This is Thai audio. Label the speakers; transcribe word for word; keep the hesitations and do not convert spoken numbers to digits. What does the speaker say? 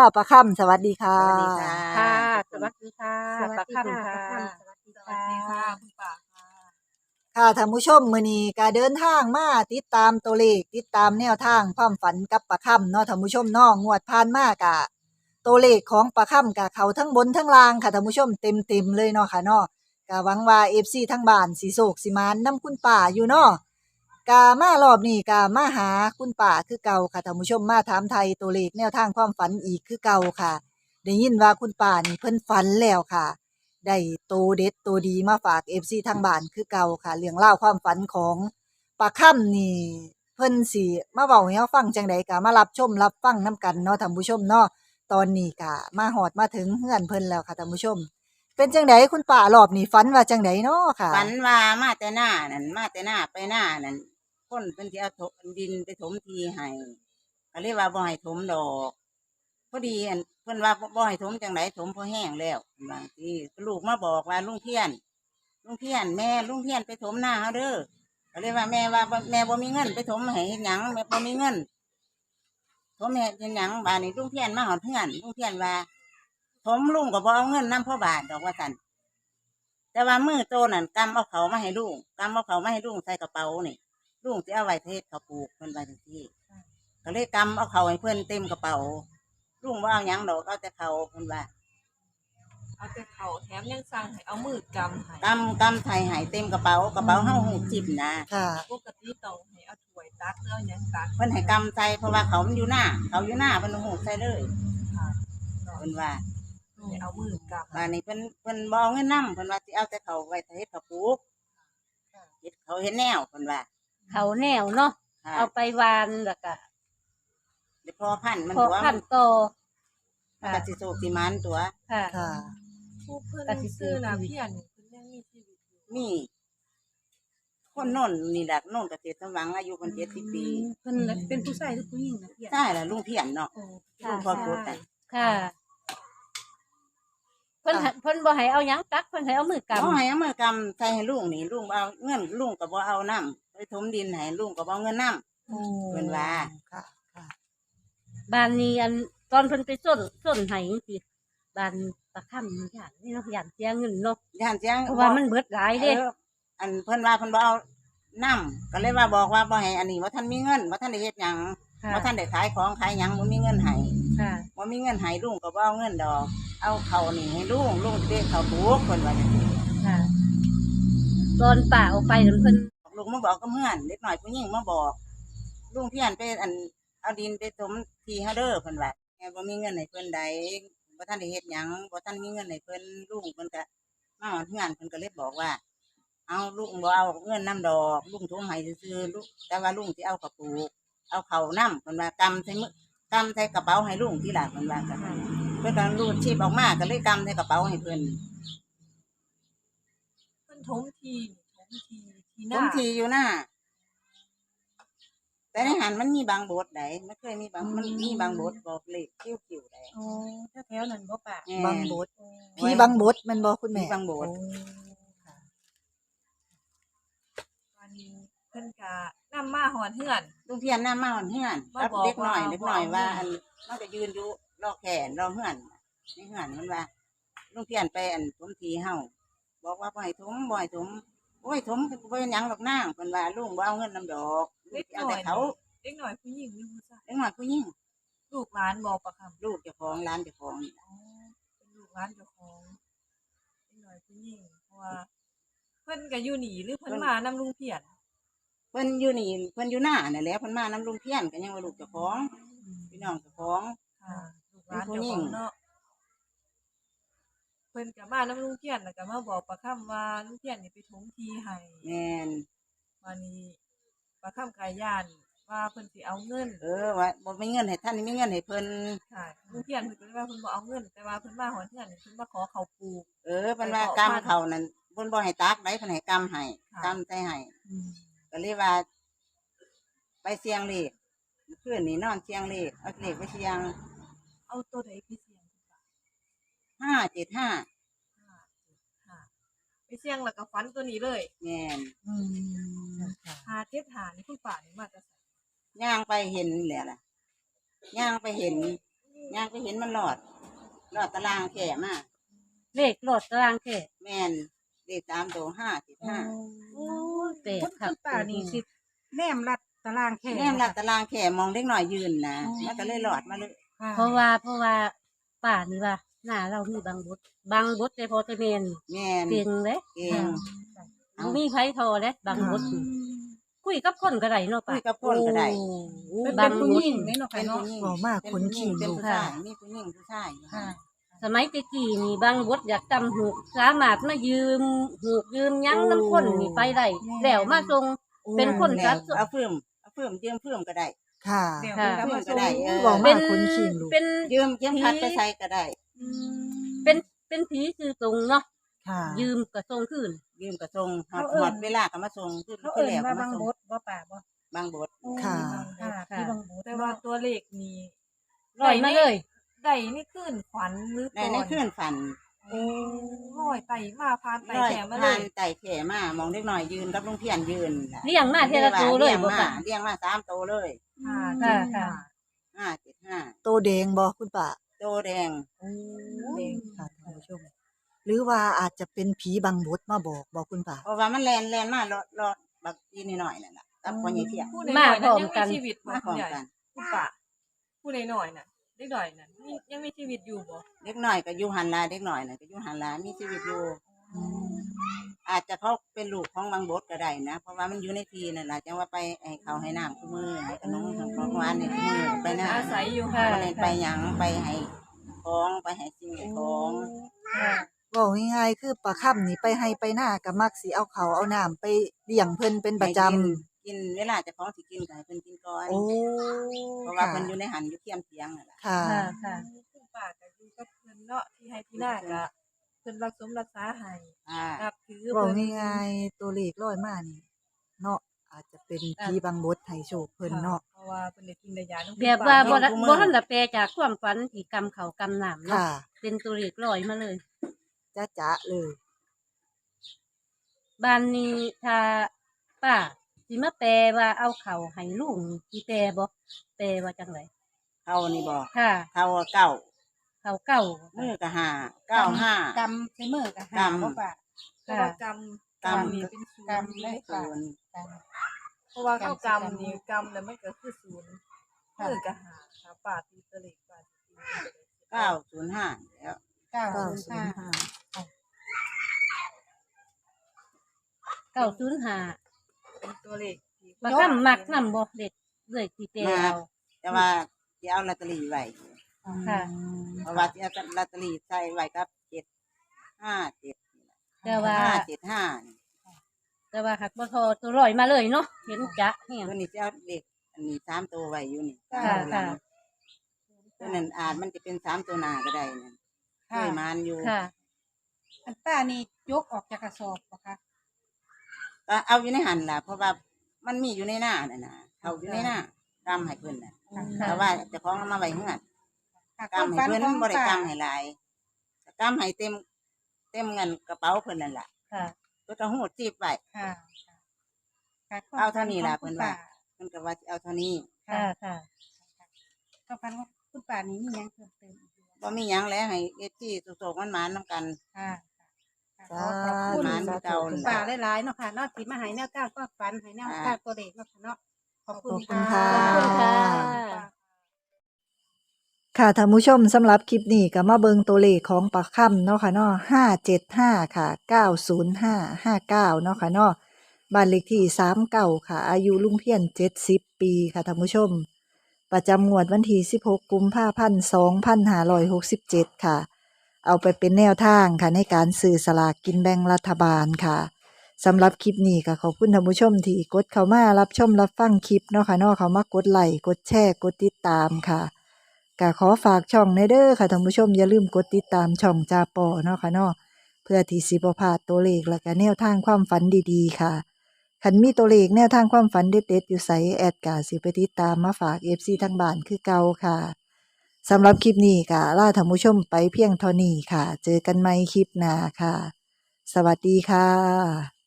Speaker 1: ป้าค่ำสวัสดีค่ะ
Speaker 2: สวัสดีค่ะ
Speaker 3: ค่ะส
Speaker 2: ทุกคน
Speaker 3: วัสดีค่ะ
Speaker 4: สวัส
Speaker 3: ปลา
Speaker 4: ดีค่ะ
Speaker 3: ค่ำค่ะ
Speaker 4: ป้าค่ำสวัสดี
Speaker 3: สวัสดีค่ะ
Speaker 4: คุณป่าค่ะ
Speaker 1: ค่ะท่านผู้ชมมื้อนี้ก็เดินทางมาติดตามตัวเลขติดตามแนวทางความฝันกับป้าค่ำเนาะท่านผู้ชมเนาะงวดผ่านมากะตัวเลขของป้าค่ำกะเขาทั้งบนทั้งล่างค่ะท่านผู้ชมเต็มๆเลยเนาะค่ะเนาะก็หวังว่า เอฟ ซี ทั้งบ้านสิโศกสิมานนำคุณป้าอยู่เนาะกะมารอบนี้กะมาหาคุณป้าคือเก่าค่ะท่านผู้ชมมาถามไทยตัวเลขแนวทางความฝันอีกคือเก่าค่ะได้ยินว่าคุณป้านี่เพิ่นฝันแล้วค่ะ ได้โตเด็ดโตดีมาฝาก เอฟ ซี ทางบ้านคือเก่าค่ะเรื่องเล่าวความฝันของปลาค่ำนี่เพิ่นสิมาเว้าให้เราฟังจังใดก็มารับชมรับฟังนํกันเนาะท่านผู้ชมเนาะตอนนี้ก็มาฮอดมาถึงเฮือนเพิ่นแล้วค่ะท่านผู้ชม เป็นจังใดคุณป้ารอบนี้ฝันว่าจังใดเนาะค่ะ
Speaker 2: ฝันว่ามาแต่หน้านั่นมาแต่หน้าไปหน้านั่นคนเป็นที่เอาถมดินไปถมทีให้ก็เรียกว่าบ่ให้ถมดอกพอดีอันเพิ่นว่าบ่ให้ถมจังไดถมพอแห้งแล้วบางทีลูกมาบอกว่าลุงเพียนลุงเพียนแม่ลุงเพียนไปถมหน้าเฮาเด้อก็เรียกว่าแม่ว่าบ่แม่บ่มีเงินไปถมให้เฮ็ดหยังแม่บ่มีเงินถมให้เฮ็ดหยังบาดนี้ลุงเพียนมาหอดเฮือนลุงเพียนว่าถมลุงก็บ่เอาเงินนำพ่อบาทดอกว่าซั่น แต่ว่ามือโตนั่นกำเอาเขามาให้ลุงกำเอาเขามาให้ลุงใส่กระเป๋านี่ลุงจะเอาไว้เทศเขาปลูกเพิ่นไว้ทังที่ก็เลยกำเอาเขาให้เพิ่นเต็มกระเป๋าลุงว่าเอาหยังดอกเอาแต่เขาเพิ่นว่า
Speaker 4: เอาแต่เขาแถมยังสั่งให้เอามือกำให้
Speaker 2: กำกำไทยให้เต็มกระเป๋ากระเป๋าเฮาหูจิบนะ
Speaker 1: ค่ะ
Speaker 4: ปกติต้องให้เอาถ้วยตักแล้วยังตัก
Speaker 2: เพิ่นให้กำใส่เพราะว่าเขามันอยู่หน้าเขาอยู่หน้าเพิ่นหูใส่เลย
Speaker 4: ค่ะ
Speaker 2: เพิ่นว่า
Speaker 4: ให้เอามือกำ
Speaker 2: บาดนี้เพิ่นเพิ่นบ่เอาเงินนำเพิ่นว่าสิเอาแต่เขาไว้เทศเขาปลูกเฮ็ดเขาเฮ็ดแนวเพิ่นว่า
Speaker 3: เขาแนวเนาะ
Speaker 2: ค่ะ
Speaker 3: เอาไปวานแล้วก็
Speaker 2: เดี๋ยวพอพันธุ์มัน
Speaker 3: พอ
Speaker 2: ตัว
Speaker 3: พันโต
Speaker 2: มันก็สิโศกสิมันตัว
Speaker 3: ค่ะ
Speaker 1: ค่ะ
Speaker 4: ผู้เพิ่นซื้อน่ะเพี้ยนเพิ่นยังมีชีวิตอยู่
Speaker 2: มีคนโน่นนี่แหละโน่นเกษตรสมหวังอายุคนเจ็ดสิบปี
Speaker 4: เพิ่นเป็นผู้ชายหรือผู้หญิงนะเพี้ยน
Speaker 2: ใช่ละลุงเพียนเนาะ
Speaker 4: โอ้
Speaker 2: ลุงพ่อโคตรแต่
Speaker 3: ค่ะเพิ่นให้เพิ่นบ่ให้เอาหยังตักเพิ่นให้เอามือก
Speaker 2: เอาให้เอามือกำใส่ให้ลุงนี่ลุงเอาเงินลุงก็บ่เอาน้ำไปถมดินให้ลุงก็บ่เอาเงินน้
Speaker 1: โอ้
Speaker 2: เพิ่นว่า
Speaker 1: ค่ะค่ะ
Speaker 3: ำบ้านนี้อันตอนเพิ่นไปส้นส้นให้จังซี่บ้านปลาค่ำนี่ย่านนี่เนาะย่านเสียเงินเนาะ
Speaker 2: ำย่านเสียง
Speaker 3: เพราะว่ามันเบิดหลายเด้
Speaker 2: เอออันเพิ่นว่าเพิ่นบ่เอาน้ำก็เลยว่าบอกว่าบ่ให้อันนี้ว่าท่านมีเงินว่าท่านได้เฮ็ดหยัง
Speaker 3: ค่ะ
Speaker 2: ว่าท่านได้ขายของขายหยังบ่มีเงินให้
Speaker 3: ค่ะ
Speaker 2: บ่มีเงินให้ลุงก็บ่เอาเงินดอก เอาเขานี่ให้ลุงลุงสิได้เขาปลูกเพิ่นว่าจังซี่
Speaker 3: ค่ะ ตอนป่าเอาไปนั้นเพิ่น
Speaker 2: ลุงมาบอกกับเพื่อนเล็กหน่อยผู้หญิงมาบอกลุงเพียนไปอันเอาดินไปถมทีเฮาเด้อเพิ่นว่าแม่บ่มีเงินให้เพิ่นใดบ่ทันได้เฮ็ดหยังบ่ทันมีเงินให้เพิ่นลุงเพิ่นก็มาฮอดเฮือนเพิ่นก็เลยบอกว่า เอาลุงบ่เอาเงินนํดอกลุงถมให้ซื่อๆลุงแต่ว่าลุงสิเอากระปุกเอาเข้าวนํเพิ่นว่ากำใส่มือกำใส่กระเป๋าให้ลุงทีหลังเพิ่นว่าก็เพิ่นก็รูดชีพออกมาก็เลยกำใส่กระเป๋าให้เพิ่น
Speaker 4: เพิ่นถมทีถมทีทีห
Speaker 2: ถ
Speaker 4: น้าม
Speaker 2: ทีอยู่หน้าแต่ในหันมันมีบางบทใดมันเคยมีบางมันมีบางบทบอกเลขคิ้วๆใด
Speaker 4: โอ้แถวๆนั้นบ่ป่า
Speaker 1: บางบทผีบางบทแมันบ่คุณแม่
Speaker 2: มีบางบท
Speaker 1: โอ้ค่ะ
Speaker 4: วันนี้เพิ่นก็นำมาหอดเฮือน
Speaker 2: ลุงเพียนหน้ามาหอนเฮือน
Speaker 4: มา
Speaker 2: รับ
Speaker 4: บอก
Speaker 2: เด็กหน่อย
Speaker 4: ว่า
Speaker 2: เด็กหน่อย
Speaker 4: บอก
Speaker 2: ว่าอันมันก็ยืนอยู่รอแขนรอเฮือนในเฮือนมันว่าลุงเพียนไปอันถมทีเฮาบอกว่าบ่ให้ถมบ่ให้ถมโอ้ยถมบ่เป็นหยังดอกนางเพิ่นว่าลุงบ่เอาเงินนำดอกลุงสิเอาแต่เขา
Speaker 4: เด็กหน่อยผู้หญิงหรือผู้ชาย
Speaker 2: เด็กหน่อยผู้หญิง
Speaker 4: ลูกหลานบ่ปะค่ะ
Speaker 2: ลูกเจ้าของร้านเจ้าของนี่ล่ะ
Speaker 4: อ๋อเป็นลูกหลานเจ้าของเด็กหน่อยผู้หญิงเพราะว่าเพิ่นก็อยู่นี่หรือเพิ่นมานำลุงเพียร
Speaker 2: เพิ่นอยู่นี่เพิ่นอยู่หน้านั่นแหละเพิ่นมานำลุงเพียนก็ยังว่าลูกเจ้าของพี่น้องเจ้าของ
Speaker 4: ค่ะลูกหลานเจ้าของเนาะเพิ่นก็มานำลุงเพียรแล้วก็มาบอกประคำว่าลุงเพียรนี่ไปถมทีให้
Speaker 2: แม่น
Speaker 4: วันนี้ประคำกายย่านว่าเพิ่นสิเอาเงิน
Speaker 2: เออว่าบ่มีเงินให้ท่านนี่มีเงินให้เพิ่น
Speaker 4: ค่ะลุงเพียรเพิ่นก็เลยว่าเพิ่นบ่เอาเงิน แต่ว่าเพิ่นมาหอนเทือนนี่เพิ่นมาขอข้าวปลูก
Speaker 2: เออเพิ่นว่ากำเขานั่นเพิ่นบ่ให้ตักได้เพิ่นให้กำให้
Speaker 4: ค่ะ
Speaker 2: กำใส่ให้ก็เลยว่า ไปเสียงเลขเมื่อคืนนี้นอนเสียงเลขเอาเลขไปเสียง
Speaker 4: เอาตัวใดไปเสี่ยงคุณป้า
Speaker 2: ห้าเจ็ดห้า
Speaker 4: ห้าเจ็ดห้าไปเสี่ยงแล้วก็ฝันตัวนี้เลย
Speaker 2: แม่น
Speaker 1: อืมค่ะ
Speaker 4: ห้าเจ็ดห้านี่คุณป้านี่มาจะใส่
Speaker 2: ย่างไปเห็นแหละล่ะย่างไปเห็นย่างไปเห็นมันหลอดหลอดตารางแข่มา
Speaker 3: เลขรถตารางแค่
Speaker 2: แม่นเลขสามตัวห้าเจ็ดห้า
Speaker 3: โอ้ยแปล
Speaker 5: คุ
Speaker 3: ก
Speaker 5: ณ
Speaker 3: คั
Speaker 5: คุ
Speaker 3: ก
Speaker 5: ณป้านี่สิแนมรัดตารางแค่
Speaker 2: แนมหลัดตารางแข่มองเล็กหน่อยยืนนะมันก็เลยหลอดมาเลย
Speaker 5: ค่ะ
Speaker 3: เพราะว่าเพราะว่าป่านี่ว่าหน้าเรามีบางบทบางบทแต่พอจะเมน
Speaker 2: แม่น
Speaker 3: เก่งเลย
Speaker 2: เก่ง เอา
Speaker 3: บ่มีไผทอเลยบางบทนี่คุยกับคนก็ได้เนาะ
Speaker 2: คุ
Speaker 3: ป่ะ
Speaker 2: ยกับคนก็ได้
Speaker 3: โอ้
Speaker 5: เป็น
Speaker 3: บา
Speaker 5: เป็น
Speaker 3: ง
Speaker 5: ผู้
Speaker 3: บ
Speaker 5: หญิ
Speaker 3: ท
Speaker 5: งนี่เนาะ
Speaker 2: เป็
Speaker 5: ค่ะ
Speaker 2: น
Speaker 5: เนาะ
Speaker 2: ผู้หญิง
Speaker 1: เว้ามาก
Speaker 2: เป็น
Speaker 1: คน
Speaker 2: ผู้หญิ
Speaker 1: ขี้
Speaker 2: งเป็น
Speaker 1: ลูก
Speaker 2: ผู้ชายมีผู้หญิงผู้ชายอยู่
Speaker 5: ค่ะ
Speaker 3: สมัยตะกี้นี่บางบทอยากจำหูกสามารถมายืมหูกยืมหยั้งน้ำคนนี่ไปได้แล้วมาส่งเป็นคน
Speaker 2: แล้
Speaker 3: จั
Speaker 2: ว
Speaker 3: ด
Speaker 2: เอาเพิ่มเอาเพิ่มยืมเพิ่มก็ได้
Speaker 1: ค่ะ
Speaker 5: เดี๋ยว
Speaker 3: ค่ะ
Speaker 5: เพิ่นก็มา
Speaker 2: ก็ได้เออ
Speaker 1: เว้า
Speaker 3: เป็
Speaker 1: มาน กคนขี้ลูก
Speaker 3: เป็น
Speaker 2: ยืมยืมพัดไปใส่ก็ได้
Speaker 3: เป็นเป็นผีคือตรงเนาะ
Speaker 1: ค่ะ
Speaker 3: ยืมกระทรงคืน
Speaker 2: ยืมก็ส่งหอด
Speaker 5: เขาเอิ้น
Speaker 2: หอดเวลาก็มาส่งคือ
Speaker 5: เขา
Speaker 2: คือ
Speaker 5: เอิ่น
Speaker 2: แล้วก็
Speaker 5: ว่า
Speaker 2: มา
Speaker 5: บาง
Speaker 2: ส่ง
Speaker 5: บทบ่ป่าบ่
Speaker 2: บางบท
Speaker 1: ค่ะ
Speaker 5: ค่ะพี่บางบท
Speaker 4: แต่ว่าตัวเลขนี่
Speaker 3: ลอยมาเลย
Speaker 4: ได้นี่ขึ้นขวัญหรือ
Speaker 2: ในในคืนฝัน
Speaker 4: โอ้ร้อยไต่มาพานไต่
Speaker 2: ร้อย
Speaker 4: แถมมาเล
Speaker 2: ผ่าน
Speaker 4: ย
Speaker 2: ไต่แข่มามองเล็กหน่อยยืนกับลุงเพียนยืนน่ะ
Speaker 3: เลี้ยงมาเทละตัวเลย
Speaker 2: เลี้ยง
Speaker 3: บ่
Speaker 2: มา
Speaker 3: ป่ะ
Speaker 2: เลี้ยงมาสามตัวเลย
Speaker 4: ค่ะ
Speaker 3: ค่ะค่ะ
Speaker 2: ห้าเจ็ดห้า
Speaker 1: โตแดงบ่คุณป้า
Speaker 2: โตแดง
Speaker 4: เด้ง
Speaker 1: ค่ะท่านผู้ชม หรือว่าอาจจะเป็นผีบังบดมาบอกบอกคุณป้า
Speaker 2: เพราะว่ามันแลนแลนมารอรอแบบอีนิดหน่อยนั่นแหละกับคนใหญ่เพียง
Speaker 4: ผู้
Speaker 3: มา
Speaker 4: น้อยๆ
Speaker 3: พร้
Speaker 4: นั้น
Speaker 3: อม
Speaker 4: ยัง
Speaker 3: กั
Speaker 4: มี
Speaker 3: น
Speaker 4: ชีวิตบ่
Speaker 2: มาพ
Speaker 4: คุ
Speaker 2: ร้อ
Speaker 4: ณ
Speaker 2: ม
Speaker 4: ใหญ่
Speaker 2: กัน
Speaker 4: คุณป้าผู้น้อยๆน่ะเด็กน้อยน่ะมียังมีชีวิตอยู่บ่
Speaker 2: เล็กหน่อยก็อยู่หันลาเล็กหน่อยน่ะก็อยู่หันลามีชีวิตอยู่อาจจะเขาเป็นลูกของบางบดก็ได้นะเพราะว่ามันอยู่ในทีนั่นแหละจังว่าไปให้เขาให้น้ำคู่มือให้ขนมของหวานในคู่มือไปนะ
Speaker 4: อาศัยอยู่
Speaker 3: ค่ะ
Speaker 2: ไปเล่นไปหยังไปให้ของไปให้สิ่งให้ของ
Speaker 3: ค่ะ
Speaker 1: เว้าง่ายๆคือปลาค่ำนี่ไปให้ไปหน้าก็มักสิเอาเขาวเอาน้ำไปเลี้ยงเพิ่นเป็นประจำ
Speaker 2: ให้กินกินเวลาเจะของสิกินก็ให้เพิ่นกินก่อน
Speaker 1: โอ้
Speaker 2: เพราะว่า
Speaker 1: ค่ะ
Speaker 2: เพิ่นอยู่ในหันอยู่เทียมเทียงนั่นแหละ
Speaker 1: ค่ะ
Speaker 3: ค่ะค่ะ
Speaker 4: คุณป้าก็อยู่กับเพิ่นเนาะที่ให้พี่นาก็เพิ่นรักสมรักษาให้
Speaker 2: อ่า
Speaker 4: นับถือ
Speaker 1: เว้า
Speaker 4: เพิ่น
Speaker 1: ง่ายๆตัวเลขร้อยมานี่เนาะอาจจะเป็นผีบังบดให้โชคเพิ่นเนาะ
Speaker 4: เพราะว่าเพิ่นได้กินได้ยาน้ำ
Speaker 3: แบบว่าบ่ได้บ่ทันได้แปลจากความฝันที่กำเขากำน้ำเนาะ
Speaker 1: ค่ะ
Speaker 3: เป็นตัวเลขลอยมาเลย
Speaker 1: จ๊ะจ๊ะเลย
Speaker 3: บ้านนี้ถ้าป้าสิมาแปลว่าเอาเขาให้ลุงสิแปลบ่แปลว่าจังได
Speaker 2: เขานี่บอก
Speaker 3: ค่ะ
Speaker 2: เขาเก้า
Speaker 3: เขาเก่า
Speaker 2: มือก็ห้าเก้าห้าก
Speaker 5: ำใช้มือกับหาก
Speaker 2: ำ
Speaker 5: บ่ป่า
Speaker 4: เพราะว่ากรรมกรรมนี่เป็นศูน
Speaker 5: กรรม
Speaker 4: ย์
Speaker 5: ได้
Speaker 2: ศูนย์
Speaker 4: เพราะว่าเข้ากรรมนี่กรรมแล้วมันก็คือศูนย์มือก็หาหาปาตีตะเล็กปาตี
Speaker 2: เก้าศูนย์ห้าแล้ว
Speaker 5: เก้า
Speaker 1: เก้า
Speaker 5: ศูนย์
Speaker 1: ศู
Speaker 5: ห้าน
Speaker 1: ย์ห้า
Speaker 3: เก่าศูนย์ห้า
Speaker 4: เป็นตัวเลขที่
Speaker 3: บางคำมักนำบ่เด็ดเลยสิแปลเอา
Speaker 2: แต่ว่าจะเอาลอตเตอรี่ไว้
Speaker 3: ค่ะ
Speaker 2: เพราะว่าจะเอาลอตเตอรี่ใส่ไว้กับเจ็ดห้าเจ็ด
Speaker 3: แต่ว่า
Speaker 2: ห้าเจ็ดห้านี่
Speaker 3: แต่ว่าหักบ่ทอตัวลอยมาเลยเนาะเห็นจะแฮง
Speaker 2: ตัวนี้จะเอาเด็กอันนี้สามตัวไว้อยู่นี่
Speaker 3: ค่ะ
Speaker 2: สามตัวหลัง
Speaker 3: ค่ะ
Speaker 2: ตัวนั้นอาจมันจะเป็นสามตัวหน้าก็ได้นั่นเคยมานอยู่
Speaker 3: ค่ะ
Speaker 5: อันป้านี่ยกออกจากกระสอบบ่คะ
Speaker 2: ก็เอาอยู่ในหันล่ะ เพราะว่ามันมีอยู่ในหน้าน่ะนะเขาอยู่ในหน้ากำให้เพิ่นน่ะ
Speaker 3: ค่ะ
Speaker 2: แต่ว่าเจะของเอามาไว้เฮือน
Speaker 5: ค่ะ
Speaker 2: กำให้เพิ่นบ่ได้กำให้หลายกำให้เต็ม เต็มเงินกระเป๋าเพิ่นนั่นล่ะ
Speaker 3: ค่ะ
Speaker 2: เพิ่นก็หูดจีบไว้
Speaker 5: ค่ะค่ะ
Speaker 2: เอาเท่านี้ล่ะ
Speaker 5: คุ
Speaker 2: เพิ่
Speaker 5: ณ
Speaker 2: น
Speaker 5: ป้า
Speaker 2: ว่า เพิ่นก็ว่าสิเอาเท่านี้
Speaker 3: ค่ะ ค่ะ
Speaker 5: ต้องฟันของคุณป้านี่มีหยังเพิ่มเติมอีกบ่
Speaker 2: บ่มีหยังแล้วให้เอฟซีสุกๆมันหมานๆนํกัน
Speaker 5: ค่ะค่ะ
Speaker 1: จ้า
Speaker 5: ขอบคุณ
Speaker 2: หมานเก่า
Speaker 5: คุณป้าหลายๆเนาะค่ะเนาะที่มาให้แนวทางความฝันให้แนวทางตัวเลขเนาะค่ะเนาะขอบคุณ
Speaker 1: ขอบคุณ
Speaker 5: ค่ะ
Speaker 1: ค่ะ
Speaker 3: ขอบคุณค่ะ
Speaker 1: ค่ะท่านผู้ชมสำหรับคลิปนี้ก็มาเบิงตัวเลขของปลาค่ำเนาะค่ะเนาะห้าเจ็ดห้าค่ะเก้าศูนย์ห้าห้าเก้าเนาะค่ะเนาะบ้านเลขที่สามเก้าค่ะ อายุลุงเพียนเจ็ดสิบปีค่ะท่านผู้ชม ประจำงวดวันที่สิบหกกุมภาพันธ์สองพันห้าร้อยหกสิบเจ็ดค่ะ เอาไปเป็นแนวทางค่ะในการซื้อสลากกินแบ่งรัฐบาลค่ะสำหรับคลิปนี้ก็ขอบคุณท่านผู้ชมที่กดเข้ามารับชมรับฟังคลิปเนาะค่ะเนาะเขามากดไลค์กดแชร์กดติดตามค่ะก็ขอฝากช่องในเด้อค่ะท่านผู้ชมอย่าลืมกดติดตามช่องจาปอเนาะค่ะเนาะเพื่อที่สิบ่พลาดตัวเลขและก็แนวทางความฝันดีๆค่ะคันมีตัวเลขแนวทางความฝันเด็ดๆอยู่ไสแอดกาสิไปติดตามมาฝาก เอฟ ซี ทางบ้านคือเก่าค่ะสำหรับคลิปนี้ก็ลาท่านผู้ชมไปเพียงเท่านี้ค่ะ เจอกันใหม่คลิปหน้าค่ะ สวัสดีค่ะ